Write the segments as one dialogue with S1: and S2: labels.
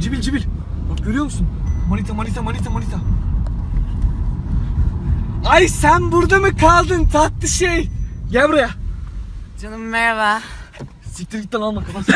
S1: Cibil. Bak görüyor musun? Manita. Ay sen burada mı kaldın tatlı şey? Gel buraya.
S2: Canım merhaba.
S1: Siktir git lan alma kapat.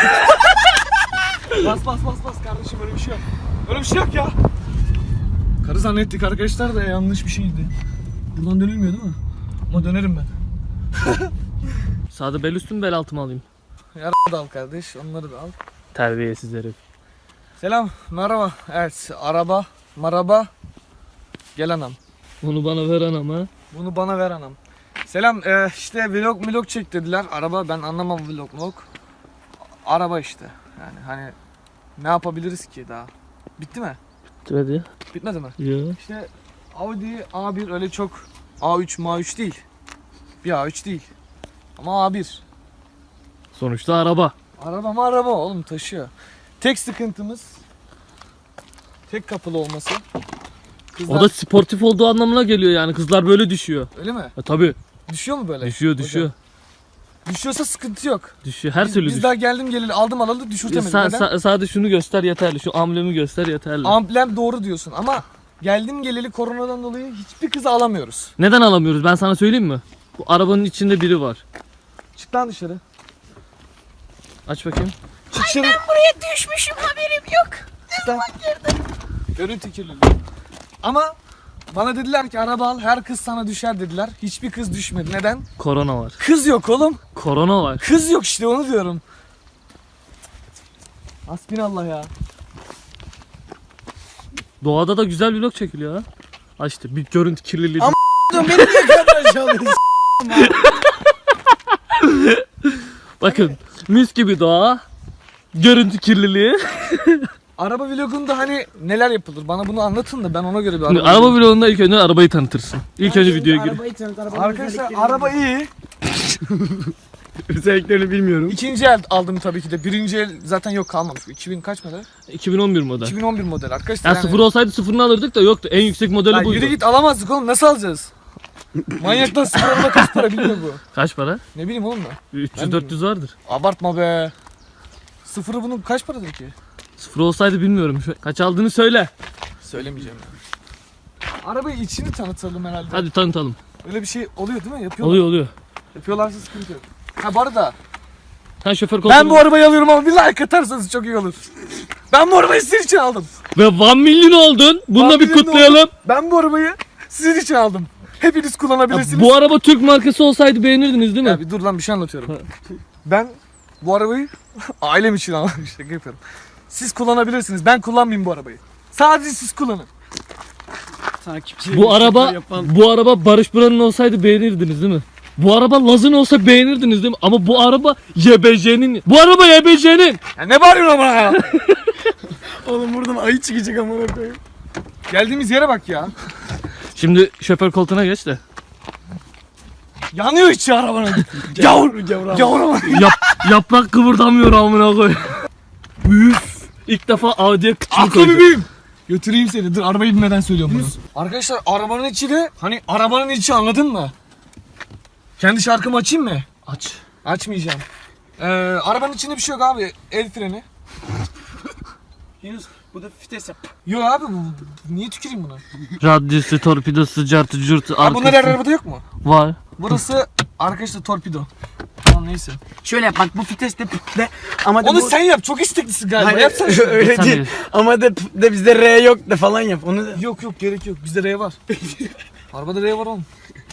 S1: Bas kardeşim öyle bir şey yok. Öyle bir şey yok ya. Karı zannettik arkadaşlar da yanlış bir şeydi. Buradan dönülmüyor değil mi? Ama dönerim ben.
S3: Sağda bel üstü mü bel altı mı alayım?
S1: Yarı da al kardeş, onları da al.
S3: Terbiyesiz herif.
S1: Selam, merhaba. Evet, araba, maraba. Gel anam.
S3: Onu bana ver anam ha.
S1: Bunu bana ver anam. Selam, işte vlog çek dediler. Araba, ben anlamam vlog. Araba işte. Yani hani ne yapabiliriz ki daha? Bitti mi?
S3: Hadi.
S1: Bitmedi mi?
S3: Yok.
S1: İşte Audi A1 öyle çok A3 Ma3 değil. Bir A3 değil. Ama A1.
S3: Sonuçta araba.
S1: Araba oğlum taşıyor. Tek sıkıntımız tek kapılı olması. Kızlar,
S3: O da sportif olduğu anlamına geliyor yani. Kızlar böyle düşüyor.
S1: öyle mi?
S3: Tabii.
S1: Düşüyor mu böyle?
S3: Düşüyor.
S1: Hocam, düşüyorsa sıkıntı yok.
S3: Düşüyor. Her türlü
S1: Biz
S3: düşüyor.
S1: daha geldim geleli aldım alalı düşürtemedim. Neden?
S3: Sadece şunu göster yeterli. Şu amblemi göster yeterli.
S1: Amblem doğru diyorsun ama geldim geleli koronadan dolayı hiçbir kızı alamıyoruz.
S3: Neden alamıyoruz? Ben sana söyleyeyim mi? Bu arabanın içinde biri var.
S1: Çık lan dışarı.
S3: Aç bakayım.
S1: Çık dışarı.
S2: Buraya düşmüşüm haberim yok.
S1: Çık lan. Görüntü kirliliği. Ama bana dediler ki araba al her kız sana düşer dediler. Hiçbir kız düşmedi. Neden?
S3: Korona var.
S1: Kız yok oğlum.
S3: Korona var.
S1: Kız yok işte onu diyorum. Hasbinallah ya.
S3: Doğada da güzel vlog çekiliyor ha. Aç işte bir görüntü kirliliği.
S1: Ama beni niye kadar çalıyorsun?
S3: Bakın mis gibi doğa. Görüntü kirliliği.
S1: Araba vlogunda hani neler yapılır? Bana bunu anlatın da ben ona göre bir
S3: Şimdi
S1: araba
S3: araba vlogunda ilk önce arabayı tanıtırsın. İlk önce videoya gir.
S2: Arabayı tanıt, arabanın
S1: Arkadaşlar
S2: özelliklerini
S1: araba iyi.
S3: Özelliklerini bilmiyorum.
S1: İkinci el aldım tabii ki de. Birinci el zaten yok kalmamış. 2000 kaç model?
S3: 2011 model.
S1: 2011 model arkadaşlar.
S3: Yani sıfır olsaydı sıfırını alırdık da yoktu. En yüksek modeli
S1: Ya
S3: buydu.
S1: yürü git alamazdık oğlum nasıl alacağız? Manyaklar sıfır araba kaç para bilmiyor bu.
S3: Kaç para?
S1: Ne bileyim oğlum da.
S3: 300-400 vardır.
S1: Abartma be. Sıfırı bunun kaç paradır ki?
S3: Sıfır olsaydı bilmiyorum. Kaç aldığını söyle.
S1: Söylemeyeceğim ya. Arabayı içini tanıtalım herhalde.
S3: Hadi tanıtalım.
S1: Öyle bir şey oluyor değil mi? Yapıyorlar.
S3: Oluyor.
S1: Yapıyorlarsa sıkıntı yok. Ha bu arada
S3: Sen şoför koltuğuna...
S1: ben bu arabayı alıyorum ama bir like atarsanız çok iyi olur. Ben bu arabayı sizin için aldım.
S3: Ve 1 milyon oldun. Bununla
S1: 1
S3: bir
S1: milyon
S3: kutlayalım.
S1: Ben bu arabayı sizin için aldım. Hepiniz
S3: Ya,
S1: kullanabilirsiniz.
S3: bu araba Türk markası olsaydı beğenirdiniz değil mi?
S1: Ya bir dur lan bir şey anlatıyorum. Ben bu arabayı ailem için aldım. Şaka yapıyorum. Siz kullanabilirsiniz. Ben kullanmayayım bu arabayı. Sadece siz kullanın.
S3: Bu araba Barış Buran'ın olsaydı beğenirdiniz değil mi? Bu araba Laz'ın olsa beğenirdiniz değil mi? Ama bu araba YBC'nin. Bu araba YBC'nin.
S1: Ya ne bağırıyorsun amına ya?
S2: Oğlum buradan ayı çıkacak amına koyayım.
S1: Geldiğimiz yere bak ya.
S3: Şimdi şoför koltuğuna geç de.
S1: Yanıyor içi arabanın. Gavur ama.
S3: Yaprak kıvırdamıyor amına koy. Üf. İlk defa Audi'ye kıçını
S1: Aklı
S3: koyacağım.
S1: bebeğim. Götüreyim seni. Dur arabayı binmeden söylüyorum bunu. Arkadaşlar arabanın içi de hani arabanın içi anladın mı? Kendi şarkımı açayım mı?
S3: Aç.
S1: Açmayacağım. Arabanın içinde bir şey yok abi. El freni.
S2: Yunus bu da fites yap.
S1: Yok abi niye tüküreyim buna?
S3: Radyosu, torpidosu, cartı, curtu,
S1: Abi bunlar her arabada yok mu?
S3: Var.
S1: Burası arkadaşlar torpido. Tamam neyse.
S2: Şöyle yap bak bu fites de de ama de
S1: Onu
S2: bu...
S1: sen yap. Çok isteklisin galiba.
S2: Hayır,
S1: Yapsana şunu.
S2: öyle
S3: Sen
S2: değil.
S3: bir-
S2: Ama de bizde R yok de falan yap. Onu da...
S1: Yok gerek yok. Bizde R var. Arabada R var oğlum.